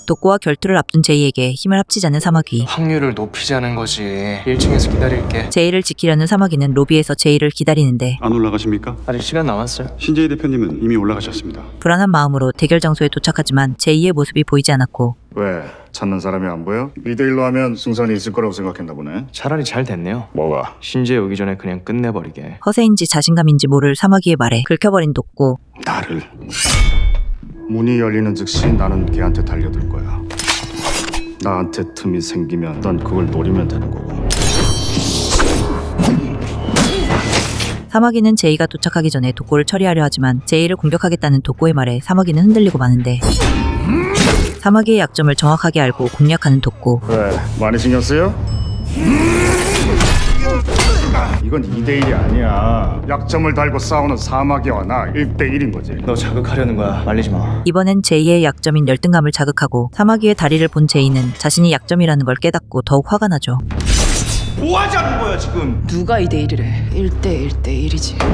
독고와 결투를 앞둔 제이에게 힘을 합치자는 사마귀. 확률을 높이자는 거지. 1층에서 기다릴게. 제이를 지키려는 사마귀는 로비에서 제이를 기다리는데 안 올라가십니까? 아직 시간 남았어요. 신재희 대표님은 이미 올라가셨습니다. 불안한 마음으로 대결 장소에 도착하지만 제이의 모습이 보이지 않았고 왜? 찾는 사람이 안 보여? 2대1로 하면 승산이 있을 거라고 생각했나 보네. 차라리 잘 됐네요. 뭐가? 신재 오기 전에 그냥 끝내버리게. 허세인지 자신감인지 모를 사마귀의 말에 긁혀버린 독고. 나를. 문이 열리는 즉시 나는 걔한테 달려들 거야. 나한테 틈이 생기면 넌 그걸 노리면 되는 거고. 사마귀는 제이가 도착하기 전에 독고를 처리하려 하지만 제이를 공격하겠다는 독고의 말에 사마귀는 흔들리고 마는데 사마귀의 약점을 정확하게 알고 공략하는 독고. 왜? 많이 신경 쓰여? 이건 2대1이 아니야. 약점을 달고 싸우는 사마귀와 나 1대1인 거지. 너 자극하려는 거야. 말리지 마. 이번엔 제이의 약점인 열등감을 자극하고 사마귀의 다리를 본 제이는 자신이 약점이라는 걸 깨닫고 더욱 화가 나죠. 누가 2대1이래? 1대1대1이지.